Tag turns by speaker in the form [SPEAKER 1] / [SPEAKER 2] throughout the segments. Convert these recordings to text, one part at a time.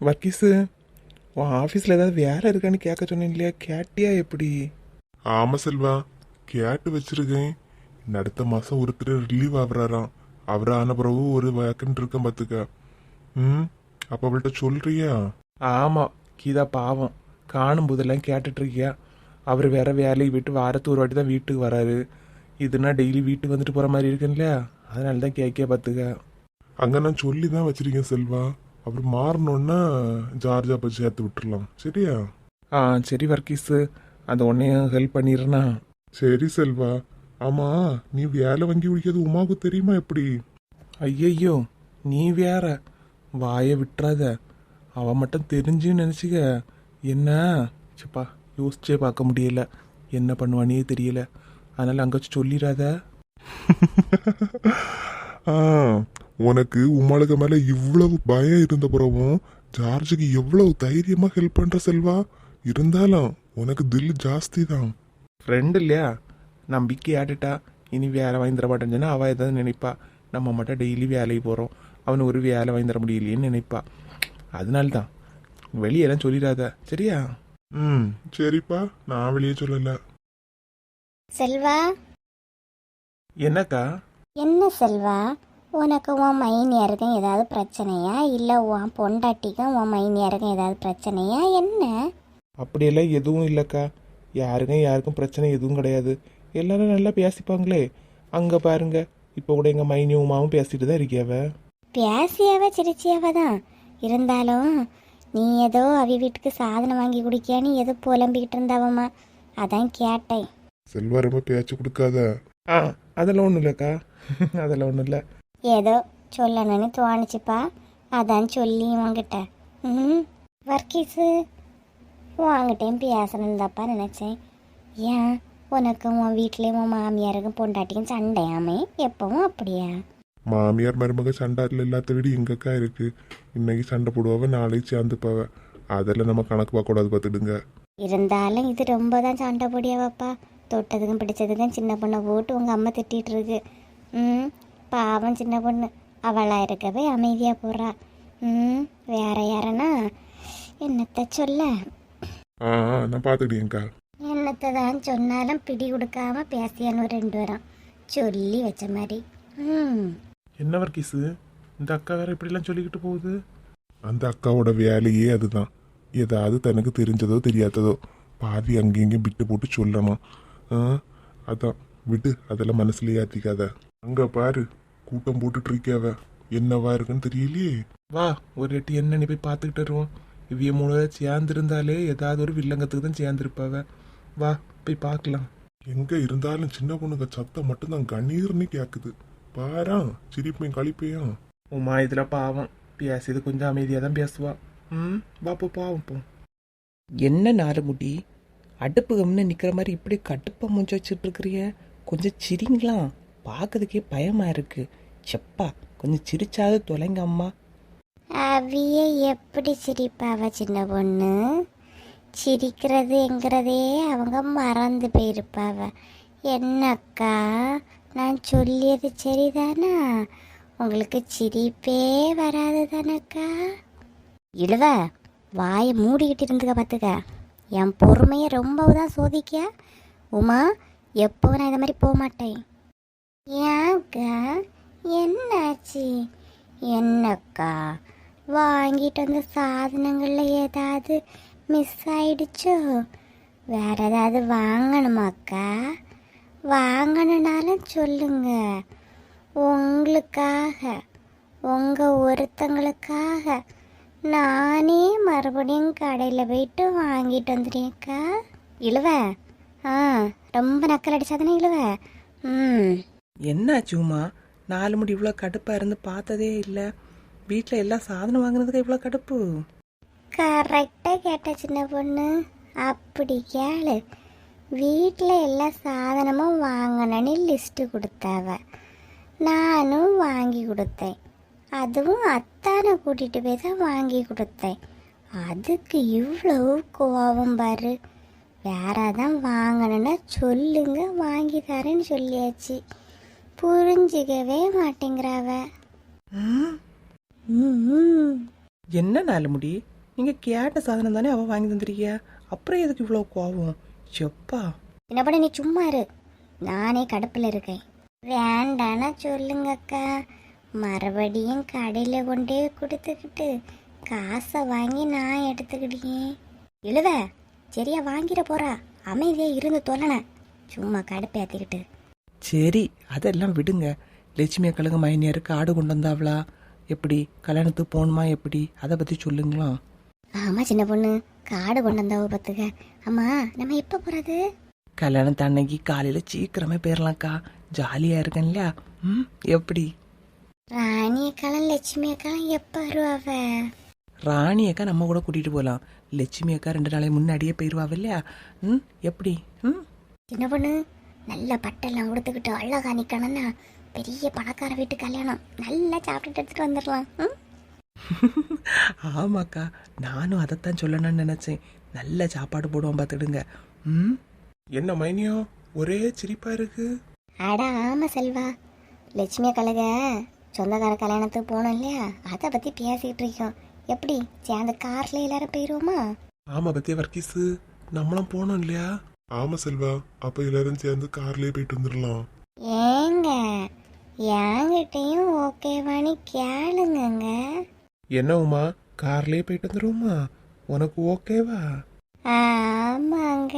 [SPEAKER 1] வர்க்கீஸு, உன் ஆஃபீஸில் ஏதாவது வேலை இருக்கான்னு கேட்க சொன்னேன் இல்லையா, கேட்டியா எப்படி?
[SPEAKER 2] ஆமா செல்வா, கேட்டு வச்சிருக்கேன். இந்த அடுத்த மாசம் ஒருத்தர் ரிலீவ் ஆகுறாராம். அவர் ஆன பிறகு ஒரு வேக்கன்ட் இருக்கேன் பார்த்துக்க. ம், அப்ப அவள்கிட்ட சொல்றியா?
[SPEAKER 1] ஆமாம், கீதா பாவம், காணும் போதெல்லாம் கேட்டுட்ருக்கியா. அவர் வேற வேலையை விட்டு வாரத்து ஒரு வாட்டி தான் வீட்டுக்கு வராரு. இதுனா டெய்லி வீட்டுக்கு வந்துட்டு போகிற மாதிரி இருக்குன்னு இல்லையா, அதனால தான் கேட்க பார்த்துக்க.
[SPEAKER 2] அங்க நான் சொல்லி தான் வச்சிருக்கேன் செல்வா. அவர் மாறணுன்னா ஜார்ஜா போய் சேர்த்து விட்டுறலாம், சரியா?
[SPEAKER 1] ஆ சரி வர்க்கீஸு, அந்த உன்னையும் ஹெல்ப் பண்ணிடுறேண்ணா.
[SPEAKER 2] சரி செல்வா. ஆமா, நீ வேலை வாங்கி குடிக்கிறது உமாவுக்கு தெரியுமா எப்படி?
[SPEAKER 1] ஐயையோ, நீ வேற வாயை விட்டுறாத. அவன் மட்டும் தெரிஞ்சுன்னு நினச்சிக்க என்ன சப்பா, யோசிச்சே பார்க்க முடியல. என்ன பண்ணுவானே தெரியல. அதனால் அங்கே வச்சு சொல்லிடாத.
[SPEAKER 2] ஆ, உனக்கு உமாளுக்கு மேல இவ்வளவு பயம் இருந்த பிறகும் ஜார்ஜுக்கு எவ்வளவு தைரியமா ஹெல்ப் பண்ற செல்வா. இருந்தாலும் உனக்கு தில் ஜாஸ்தி தான்.
[SPEAKER 1] ஃப்ரெண்டு இல்லையா, நம்பிக்கை ஆட்டுட்டா. இனி வேலை வாங்கி தர மாட்டேன்னு சொன்னா அவள் ஏதாவது நினைப்பா. நம்ம மட்டும் டெய்லி வேலைக்கு போகிறோம், அவனு ஒரு வேலை வாங்கி தர முடியலையேன்னு நினைப்பா. அதனால்தான் வெளியெல்லாம் சொல்லிடாத, சரியா?
[SPEAKER 2] ம், சரிப்பா, நான் வெளியே சொல்லல.
[SPEAKER 3] செல்வா,
[SPEAKER 1] என்னக்கா?
[SPEAKER 3] என்ன செல்வா, உனக்கு உன் மைனியருக்கும் ஏதாவது பிரச்சனையா, இல்லை உன் பொண்டாட்டிக்கும் உன் மைனியருக்கும் ஏதாவது பிரச்சனையா என்ன?
[SPEAKER 1] அப்படியெல்லாம் எதுவும் இல்லைக்கா. யாருக்கும் பிரச்சனை எதுவும் கிடையாது. எல்லாரும் நல்லா பேசிப்பாங்களே. அங்கே பாருங்க, இப்போ கூட எங்கள் மைனி உமாவும் பேசிட்டு தான் இருக்கியாவ.
[SPEAKER 3] பேசியாவ சிரிச்சியாவ தான். இருந்தாலும் நீ ஏதோ அவி வீட்டுக்கு சாதனம் வாங்கி குடிக்கியான்னு ஏதோ புலம்பிக்கிட்டு இருந்தாவம்மா, அதான் கேட்டேன்.
[SPEAKER 2] செல்வா ரொம்ப பேச்சு கொடுக்காத.
[SPEAKER 1] ஆ, அதெல்லாம் ஒன்றும் இல்லைக்கா. அதெல்லாம் ஒன்றும் இல்லை.
[SPEAKER 3] ஏதோ சொல்லணும்னு தோணுச்சுப்பா, அதான் சொல்லி உங்ககிட்ட. ம், வர்க்கீஸு, உங்ககிட்டையும் பேசணுன்னு தாப்பா நினச்சேன். ஏன், உனக்கு உன் வீட்லேயும் உன் மாமியாருக்கும் பொண்டாட்டிக்கும் சண்டையாமே எப்பவும் அப்படியா?
[SPEAKER 2] மாமியார் மருமக சண்டாட்டில் எல்லாத்த விட எங்கக்கா இருக்கு. இன்னைக்கு சண்டை போடுவாவ, நாளைக்கு சேர்ந்துப்பாவ. அதெல்லாம் நம்ம கணக்கு பார்க்கக்கூடாது, பார்த்துடுங்க.
[SPEAKER 3] இருந்தாலும் இது ரொம்ப தான் சண்டை போடியாவாப்பா. தொட்டதுக்கும் பிடிச்சதுக்கும் சின்ன பொண்ணை போட்டு உங்கள் அம்மா திட்டிகிட்டு இருக்கு. ம், பாவம் சின்ன பொண்ணு, அவளாக இருக்கவே அமைதியாக போகிறா. ம், வேற யாரனா என்னத்தை சொல்ல?
[SPEAKER 2] ஆ, நான் பார்த்துக்கிட்டேங்க்கா.
[SPEAKER 3] என்னத்தை தான் சொன்னாலும் பிடி கொடுக்காம பேசியான்னு ஒரு 2 வரம் சொல்லி வச்ச மாதிரி. ம்,
[SPEAKER 1] என்ன வர்க்கீஸு, இந்த அக்கா வேற இப்படிலாம் சொல்லிக்கிட்டு போகுது?
[SPEAKER 2] அந்த அக்காவோட வேலையே அதுதான். ஏதாவது தனக்கு தெரிஞ்சதோ தெரியாததோ பாதி அங்கேயும் இங்கேயும் விட்டு போட்டு சொல்லணும். ஆ, அதான் விட்டு, அதெல்லாம் மனசுலயே ஏற்றிக்காத. அங்க பாரு, கூட்டம் போட்டுட்டு இருக்காவ. என்னவா இருக்குன்னு தெரியலையே.
[SPEAKER 1] வா, ஒரு எட்டு என்னன்னு போய் பார்த்துக்கிட்டு வருவோம். இவ்விய மூணு சேர்ந்துருந்தாலே ஏதாவது ஒரு வில்லங்கத்துக்கு தான் சேர்ந்துருப்பாவ. வா போய் பார்க்கலாம்.
[SPEAKER 2] எங்க இருந்தாலும் சின்ன பொண்ணுங்க சத்தம் மட்டும்தான் கண்ணீர்னு கேக்குது. பாரா, சிரிப்பையும் கழிப்பையும்.
[SPEAKER 1] உமா இதில் பாவம், பேசியது கொஞ்சம் அமைதியாக தான் பேசுவா. ம், வா போ பாவம் போ. என்ன நாலுமுடி, அடுப்பு கம்னு நிற்கிற மாதிரி இப்படி கடுப்பை மூஞ்சி வச்சுட்டு இருக்கிறிய? கொஞ்சம் சிரிங்களா, பார்க்கறதுக்கே பயமா இருக்கு. செப்பா, கொஞ்சம் சிரிச்சாவது தொலைங்க அம்மா.
[SPEAKER 3] அவிய எப்படி சிரிப்பாவ சின்ன பொண்ணு? சிரிக்கிறதுங்கிறதே அவங்க மறந்து போயிருப்பாவ. என்னக்கா, நான் சொல்லியது சரிதானா? உங்களுக்கு சிரிப்பே வராது தானக்கா? இழுவ, வாயை மூடிக்கிட்டு இருந்துக்க பார்த்துக்க. என் பொறுமையை ரொம்பவும் தான் சோதிக்க. உமா, எப்போ நான் இதை மாதிரி போக மாட்டேன். ஏன்க்கா, என்னாச்சு? என்னக்கா, வாங்கிட்டு வந்த சாதனங்களில் ஏதாவது மிஸ் ஆயிடுச்சோ? வேற ஏதாவது வாங்கணுமாக்கா? வாங்கணுனாலும் சொல்லுங்க. உங்களுக்காக, உங்கள் ஒருத்தங்களுக்காக நானே மறுபடியும் கடையில் போயிட்டு வாங்கிட்டு வந்துடுறேன்க்கா. இழுவ, ஆ, ரொம்ப நக்கல் அடிச்சாதானே இழுவ. ம்,
[SPEAKER 4] என்னாச்சு உமா, 4 முடி இவ்வளோ கடுப்பாக இருந்து பார்த்ததே இல்லை. வீட்டில் எல்லா சாதனம் வாங்கினதுக்கு இவ்வளோ கடுப்பு?
[SPEAKER 3] கரெக்டாக கேட்ட சின்ன பொண்ணு. அப்படி கேளு. வீட்டில் எல்லா சாதனமும் வாங்கணுன்னு லிஸ்ட்டு கொடுத்தாவ. நானும் வாங்கி கொடுத்தேன். அதுவும் அத்தானை கூட்டிகிட்டு போய் தான் வாங்கி கொடுத்தேன். அதுக்கு இவ்வளவு கோபம் பாரு. வேற தான் வாங்கணுன்னா சொல்லுங்க, வாங்கி தரேன்னு சொல்லியாச்சு. புரிஞ்சிக்கவே மாட்டேங்கிறாவ.
[SPEAKER 4] ம்,
[SPEAKER 3] ம்
[SPEAKER 4] என்ன நாலு முடி, நீங்க கேட்ட சாதனம் தானே அவ வாங்கி தந்துருக்கிய, அப்புறம் எதுக்கு இவ்வளோ கோவம்? செப்பா
[SPEAKER 3] என்ன பண்ண, நீ சும்மா இரு, நானே கடுப்பில் இருக்கேன். வேண்டானா சொல்லுங்கக்கா, மறுபடியும் கடையில் கொண்டே கொடுத்துக்கிட்டு காசை வாங்கி நான் எடுத்துக்கிட்டேன். எழுத சரியா வாங்கிட போறா, அமைதியா இருந்து தொலைன, சும்மா கடுப்பேத்திக்கிட்டு.
[SPEAKER 4] சரி அதெல்லாம் விடுங்க. லட்சுமி அக்கலுங்க மைனியருக்கு ஆடு கொண்டு வந்தாவளா, எப்படி கல்யாணத்துக்கு போகணுமா, எப்படி அதை பற்றி சொல்லுங்களா?
[SPEAKER 3] ஆமா சின்ன பொண்ணு, காடு கொண்டு வந்தாவ பார்த்துக்க. அம்மா நம்ம எப்போ போறது?
[SPEAKER 4] கல்யாணத்து அன்னைக்கு காலையில் சீக்கிரமே போயிடலாம்க்கா, ஜாலியாக இருக்கேன் இல்லையா? ம் எப்படி?
[SPEAKER 3] ராணி அக்காலும் லட்சுமி அக்காலும் எப்போ வருவாவ?
[SPEAKER 4] ராணி அக்கா நம்ம கூட கூட்டிகிட்டு போகலாம், லட்சுமி அக்கா 2 நாளைக்கு முன்னாடியே போயிடுவாவ இல்லையா? ம் எப்படி? ம்
[SPEAKER 3] சின்ன பொண்ணு, நல்ல பட்டெல்லாம் கொடுத்துக்கிட்டு அழகா நிக்கணும்னா பெரிய பணக்கார வீட்டு கல்யாணம், நல்லா சாப்பிட்டுட்டு எடுத்துட்டு வந்துடலாம். ம்?
[SPEAKER 4] ஆமாக்கா, நானும் அதைத்தான் சொல்லணும்னு நினச்சேன். நல்ல சாப்பாடு போடுவோம் பார்த்துடுங்க. ம்
[SPEAKER 1] என்ன மைனியோ ஒரே சிரிப்பா இருக்கு?
[SPEAKER 3] அடா ஆமா செல்வா, லட்சுமி கழக சொந்தக்கார கல்யாணத்துக்கு போனோம் இல்லையா, அதை பத்தி பேசிக்கிட்டு இருக்கோம். எப்படி சேர்ந்து கார்ல எல்லாரும் போயிருவோமா?
[SPEAKER 1] ஆமா பத்தியா வர்க்கீஸு, நம்மளும் போனோம் இல்லையா?
[SPEAKER 2] ஆமா செல்வா, அப்ப எல்லாரும் சேர்ந்து கார்லயே போயிட்டு வந்துடலாம்.
[SPEAKER 3] ஏங்க என்கிட்டையும் ஓகேவானு கேளுங்கங்க.
[SPEAKER 1] என்ன உமா, கார்லயே போயிட்டு வந்துருவோமா? உனக்கு ஓகேவா?
[SPEAKER 3] ஆமாங்க,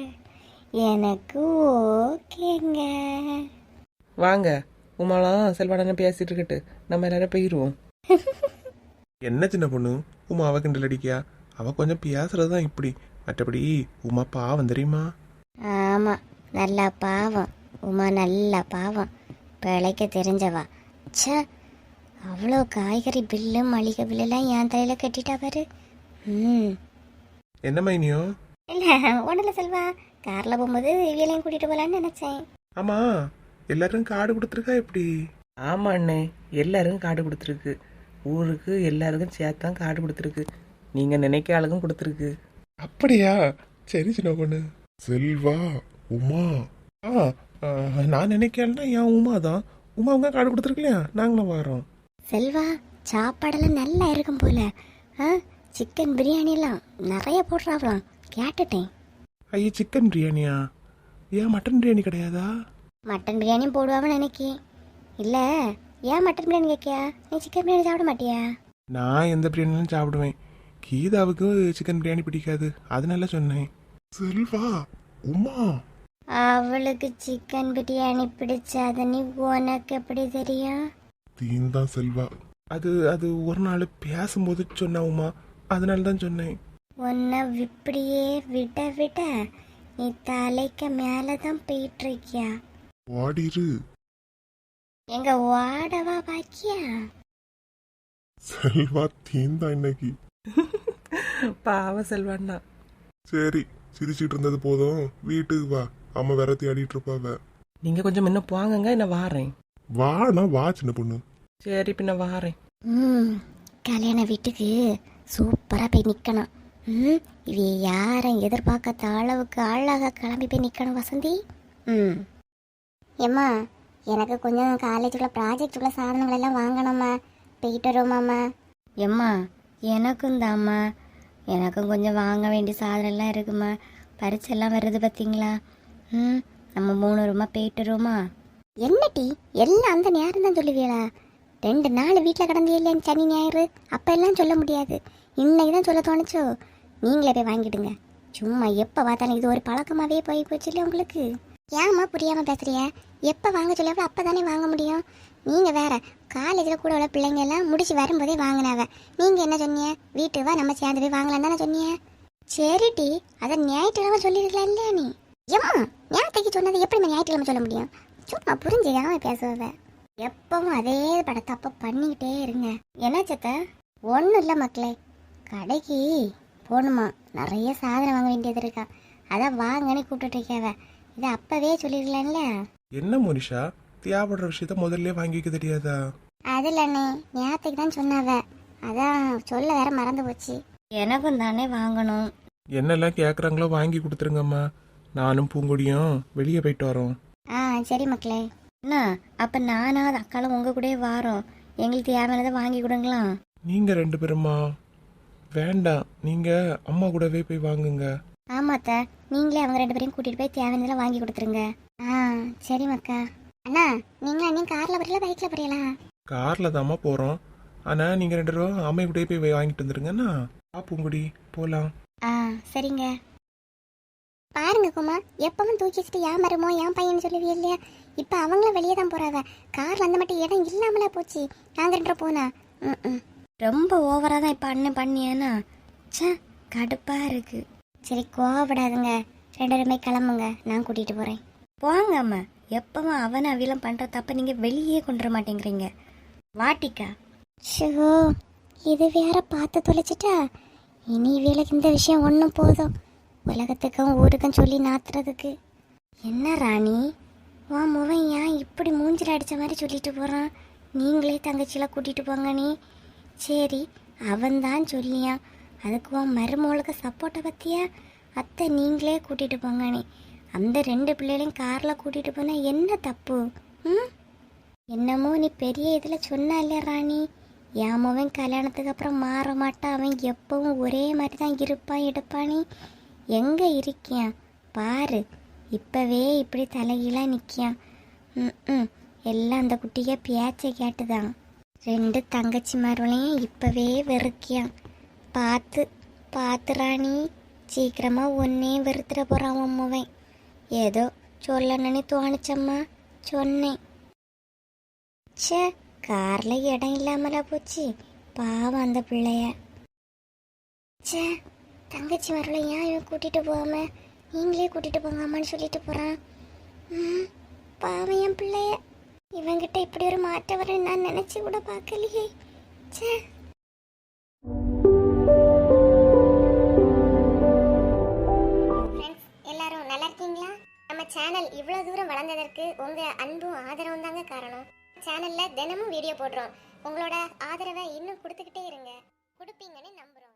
[SPEAKER 3] எனக்கு ஓகேங்க.
[SPEAKER 4] வாங்க, உமாலாம் செல்வாடன பேசிட்டு இருக்கட்டு, நம்ம எல்லாரும் போயிடுவோம்.
[SPEAKER 1] என்ன சின்ன பொண்ணு, உமா அவ கிண்டல் அடிக்கியா? அவ கொஞ்சம் பேசுறதுதான் இப்படி, மற்றபடி உமா பாவம் தெரியுமா?
[SPEAKER 3] ஆமா, நல்ல பாவம் உமா, நல்ல பாவம், பிழைக்க தெரிஞ்சவா. ச்சே, அவ்வளோ காய்கறி பில்லு மளிகை பில்லுலாம் என் தலையில கட்டிட்டா பாரு. ம்
[SPEAKER 1] என்ன மைனியோ?
[SPEAKER 3] இல்லை ஒன்றும் செல்வா, காரில் போகும்போது இவியலையும் கூட்டிகிட்டு போகலான்னு நினச்சேன்.
[SPEAKER 1] ஆமா, எல்லாரும் கார்டு கொடுத்துருக்கா எப்படி?
[SPEAKER 4] ஆமா அண்ணே, எல்லாருக்கும் கார்டு கொடுத்துருக்கு, ஊருக்கு எல்லாருக்கும் சேர்த்தான் கார்டு கொடுத்துருக்கு, நீங்கள் நினைக்க ஆளுக்கும் கொடுத்துருக்கு.
[SPEAKER 1] அப்படியா? சரி சின்ன பொண்ணு.
[SPEAKER 2] செல்வா, உமா,
[SPEAKER 1] ஆ நான் நினைக்கிறேன்னா என் உமா தான். உமா அவங்க கார்டு கொடுத்துருக்கலையா, நாங்களும் வரோம்.
[SPEAKER 3] செல்வா, சாப்பாடெல்லாம் நல்லா இருக்கும் போல. சிக்கன் பிரியாணிலாம் நிறைய போடுறாங்களாம், கேட்டுட்டேன்.
[SPEAKER 1] ஐயா சிக்கன் பிரியாணியா? ஏன் மட்டன் பிரியாணி கிடையாதா?
[SPEAKER 3] மட்டன் பிரியாணியும் போடுவாங்கன்னு நினைக்கி. இல்லை, ஏன் மட்டன் பிரியாணி கேட்கியா? நீ சிக்கன் பிரியாணி சாப்பிட மாட்டியா?
[SPEAKER 1] நான் எந்த பிரியாணியும் சாப்பிடுவேன். கீதாவுக்கு சிக்கன் பிரியாணி பிடிக்காது, அதனால சொன்னேன்.
[SPEAKER 2] செல்வா, உமா,
[SPEAKER 3] அவளுக்கு சிக்கன் பிரியாணி பிடிச்சாத நீ உனக்கு எப்படி தெரியும்?
[SPEAKER 2] தீந்தான் செல்வா.
[SPEAKER 1] அது அது ஒரு நாள் பேசும்போது சொன்ன உமா, அதனால தான் சொன்னேன்.
[SPEAKER 3] உன்னை இப்படியே விட விட நீ தலைக்கு மேலதான் போயிட்டு இருக்கியா?
[SPEAKER 2] வாடிரு.
[SPEAKER 3] எங்க வாடவா பாக்கியா?
[SPEAKER 2] செல்வா தீந்தான் இன்னைக்கு.
[SPEAKER 4] பாவ செல்வாண்ணா.
[SPEAKER 2] சரி, சிரிச்சிட்டு இருந்தது போதும், வீட்டுக்கு வா, அம்மா வேற தேடிட்டு இருப்பாவ.
[SPEAKER 4] நீங்கள் கொஞ்சம் முன்ன போங்கங்க, நான் வாரேன்.
[SPEAKER 2] வானா வா சின்ன பொண்ணு.
[SPEAKER 4] சரி பின்ன வாரேன்.
[SPEAKER 3] கல்யாண வீட்டுக்கு சூப்பரா போய் நிக்கணும். இவ யாரும் எதிர்பார்க்காத அளவுக்கு அழகா கிளம்பி போய் நிக்கணும் வசந்தி. ஏம்மா, எனக்கு கொஞ்சம் காலேஜுக்குள்ள ப்ராஜெக்டுக்குள்ள சாதனங்கள் எல்லாம் வாங்கணும்மா, போயிட்டு வருவோமாம்மா. ஏம்மா எனக்கும் தாம்மா, எனக்கும் கொஞ்சம் வாங்க வேண்டிய சாதனம்லாம் இருக்குமா, பரிச்செல்லாம் வருது பார்த்தீங்களா? நம்ம 3 ரூமா போயிட்டு வருவோமா? என்ன டீ எல்லாம் அந்த நேரம் தான் சொல்லுவீங்களா? 2 நாள் வீட்டில் கிடந்தியே சனி ஞாயிறு, அப்போ எல்லாம் சொல்ல முடியாது, இன்னைக்கு தான் சொல்ல தோணுச்சோ. நீங்களே போய் வாங்கிடுங்க, சும்மா எப்போ பார்த்தாலும் இது ஒரு பழக்கமாகவே போய் போச்சு இல்லை உங்களுக்கு? ஏம்மா புரியாமல் பேசுறிய? எப்போ வாங்க சொல்ல அப்போ தானே வாங்க முடியும். நீங்கள் வேற காலேஜில் கூட உள்ள பிள்ளைங்க எல்லாம் முடிச்சு வரும்போதே வாங்கினாவ, நீங்கள் என்ன சொன்னீங்க? வீட்டுக்கு வா நம்ம சேர்ந்து போய் வாங்கலாம் தானே சொன்னீங்க. சரி டி, அதை ஞாயிற்றுக்கிழமை சொல்லிருக்கலாம் இல்லையா நீ? ஏம்மா, ஞாயிற்றுக்கு சொன்னதை எப்படி ஞாயிற்றுக்கிழமை சொல்ல முடியும்? சும்மா புரிஞ்சுக்காம பேசுவத. எப்பவும் அதே படத்தை அப்போ பண்ணிக்கிட்டே இருங்க. என்ன சத்த? ஒன்றும் இல்லை மக்களே, கடைக்கு போகணுமா, நிறைய சாதனம் வாங்க வேண்டியது இருக்கா, அதான் வாங்கன்னு கூப்பிட்டுட்டு இருக்காவ. இதை அப்பவே சொல்லிடலாம்ல.
[SPEAKER 1] என்ன மோனிஷா, தேவைப்படுற விஷயத்த முதல்ல வாங்கி வைக்க தெரியாதா?
[SPEAKER 3] அது இல்லைண்ணே, ஞாயிற்றுக்கு தான் சொன்னாவ, அதான் சொல்ல வேற மறந்து போச்சு. எனக்கும் தானே வாங்கணும்.
[SPEAKER 1] என்னெல்லாம் கேட்குறாங்களோ வாங்கி கொடுத்துருங்கம்மா, நானும் பூங்கொடியும் வெளியே போயிட்டு வரோம்.
[SPEAKER 3] சரி மக்களே. என்ன அப்போ நானாவது அக்காலும் உங்கள் கூட வாரோம், எங்களுக்கு தேவையானதை வாங்கி கொடுங்களா?
[SPEAKER 1] நீங்க 2 பேருமா? வேண்டாம், நீங்க அம்மா கூடவே போய் வாங்குங்க.
[SPEAKER 3] ஆமாத்த, நீங்களே அவங்க 2 பேரையும் கூட்டிட்டு போய் தேவையானதெல்லாம் வாங்கி கொடுத்துருங்க. சரி மக்கா. அண்ணா, நீங்களா நீ கார்ல வரல பைக்ல போறீங்களா?
[SPEAKER 1] கார்ல தாம்மா போறோம். ஆனா நீங்க 2 பேரும் அம்மை கூடயே போய் வாங்கிட்டு வந்துருங்கண்ணா. பூங்குடி போலாம்.
[SPEAKER 3] சரிங்க. பாருங்க குமா, எப்பவும் தூக்கி வச்சுட்டு ஏன் மருமோ ஏன் பையன் சொல்லுவீ இல்லையா? இப்போ அவங்களும் வெளியே தான் போறாவ. கார் வந்த மட்டும் இடம் இல்லாமலா போச்சு. நாங்க 2 போனா ரொம்ப ஓவரா தான் இப்போ அண்ணன் பண்ணியானா. சே, கடுப்பா இருக்கு. சரி கோவப்படாதுங்க, 2 பேருமே கிளம்புங்க, நான் கூட்டிட்டு போறேன். போங்க அம்மா, எப்பவும் அவனை அவிலம் பண்ற தப்ப நீங்க வெளியே கொண்டு வர மாட்டேங்கிறீங்க. வாட்டிக்கா. ஷோ, இது வேற பார்த்து தொலைச்சிட்டா. இனி இவளுக்கு இந்த விஷயம் ஒன்றும் போதும், உலகத்துக்கும் ஊருக்கும் சொல்லி நாத்துறதுக்கு. என்ன ராணி, உன் முவன் ஏன் இப்படி மூஞ்சில் அடித்த மாதிரி சொல்லிட்டு போகிறான்? நீங்களே தங்கச்சியில் கூட்டிகிட்டு போங்க நீ. சரி, அவன்தான் சொல்லியான், அதுக்கு உன் மருமகளுக்கு சப்போர்ட்டை பற்றியா? அத்தை நீங்களே கூட்டிகிட்டு போங்க நீ. அந்த 2 பிள்ளைகளையும் காரில் கூட்டிகிட்டு போனால் என்ன தப்பு? என்னமோ நீ பெரிய இதில் சொன்னா இல்லையா ராணி, என் முவன் கல்யாணத்துக்கு அப்புறம் மாற மாட்டான், அவன் எப்பவும் ஒரே மாதிரி தான் இருப்பான் எடுப்பானி. எங்கே இருக்கியான் பாரு, இப்போவே இப்படி தலைகீழாக நிற்கியான். எல்லாம் அந்த குட்டியை பேச்சை கேட்டுதான். 2 தங்கச்சி மருளையும் இப்போவே வெறுக்கியான். பார்த்து ராணி, சீக்கிரமாக ஒன்னே வெறுத்துட போகிறான் உன் முவன். ஏதோ சொல்லணுன்னு தோணுச்சம்மா, சொன்னேன். சே, காரில் இடம் இல்லாமலா போச்சு, பாவம் அந்த பிள்ளைய. சே, தங்கச்சி வரல, ஏன் இவன் கூட்டிட்டு போகாம நீங்களே கூட்டிட்டு போங்காமான்னு சொல்லிட்டு போறான். பாவம் என் பிள்ளைய. இவங்கிட்ட இப்படி ஒரு மாற்றம் வர நான் நினைச்சு கூட பார்க்கலையே. சே. எல்லாரும் நல்லா இருக்கீங்களா? நம்ம சேனல் இவ்வளவு தூரம் வளர்ந்ததற்கு உங்க அன்பும் ஆதரவும் தாங்க காரணம். சேனல்ல தினமும் வீடியோ போடுறோம். உங்களோட ஆதரவை இன்னும் கொடுத்துக்கிட்டே இருங்க. கொடுப்பீங்கன்னு நம்புறோம்.